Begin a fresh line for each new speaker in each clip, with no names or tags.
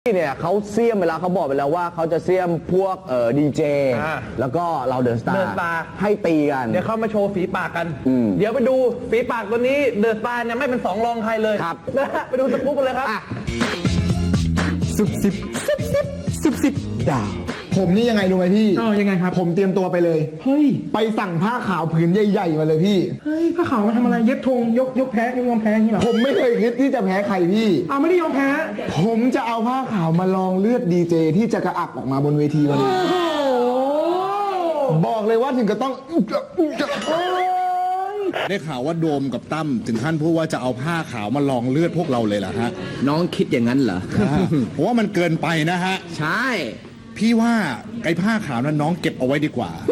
เนี่ยเขาเสียมไปแล้วเขาบอกไปแล้วว่าเขาจะเสียมพวกดีเจแล้วก็เราเดอะสตาร์ให้ตีกัน
เดี๋ยวเขามาโชว์ฝีปากกันเดี๋ยวไปดูฝีปากตัวนี้เดอะสตาร์เนี่ยไม่เป็นสองรองใครเลย
ครับ
นะฮะไปดูสกู๊ปกันเลยครับ
10ดาวผมนี่ยังไงรู้ไหมพี่
ยังไงครับ
ผมเตรียมตัวไปเลย
เฮ้ย
ไปสั่งผ้าขาวผืนใหญ่ๆมาเลยพี่
เฮ้ยผ้าขาวมาทำอะไรเย็บธงยกแพ้ยอมแพ้อย่างนี้เหรอ
ผมไม่เคยคิดที่จะแพ้ใครพี่
ไม่ได้ยอมแพ้
ผมจะเอาผ้าขาวมาลองเลือดดีเจที่จะกระอักออกมาบนเวทีวันนี้บอกเลยว่าถึงก็ต้อง
ได้ข่าวว่าโดมกับตั้มถึงขั้นพูดว่าจะเอาผ้าขาวมาลองเลือดพวกเราเลยเหรอฮะ
น้องคิดอย่างนั้นเหรอ
ผมว่ามันเกินไปนะฮะ
ใช่
พี่ว่าไอ้ผ้าขาวนั้นน้องเก็บเอาไว้ดีกว่า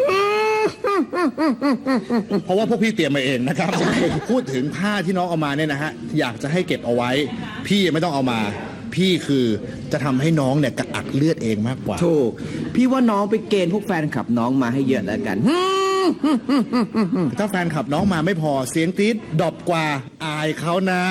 เพราะว่าพวกพี่เตรียมมาเองนะครับพูดถึงผ้าที่น้องเอามาเนี่ยนะฮะอยากจะให้เก็บเอาไว้พี่ไม่ต้องเอามาพี่คือจะทำให้น้องเนี่ยกระอักเลือดเองมากกว่า
ถูกพี่ว่าน้องไปเกณฑ์พวกแฟนคลับน้องมาให้เยอะแล้วกัน
ถ้าแฟนคลับน้องมาไม่พอเสียงตี๊ดดรอปกว่าอายเขานะ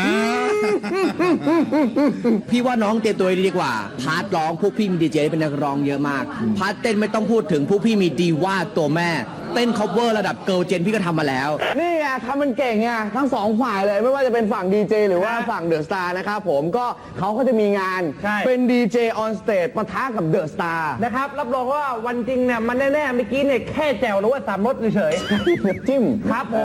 พี่ว่าน้องเตรียมตัวดีกว่าพาร์ทร้องพวกพี่มีดีเจเป็นนักร้องเยอะมากพาร์ทเต้นไม่ต้องพูดถึงพวกพี่มีดีว่าตัวแม่เต้นคัฟเวอร์ระดับเกิร์ลเจนพี่ก็ทำมาแล้วนี่ไงทำมันเก่งไงทั้งสองฝ่ายเลยไม่ว่าจะเป็นฝั่งดีเจหรือว่าฝั่งเดอะสตาร์นะครับผมก็เขาก็จะมีงานเป็นดีเจออนสเตจปะทะกับเดอะสตาร์
นะครับรับรองว่าวันจริงเนี่ยมันแน่ๆเมื่อกี้เนี่ยแค่แจวหรือว่าสามรสเฉย
จิ้ม
ครับผม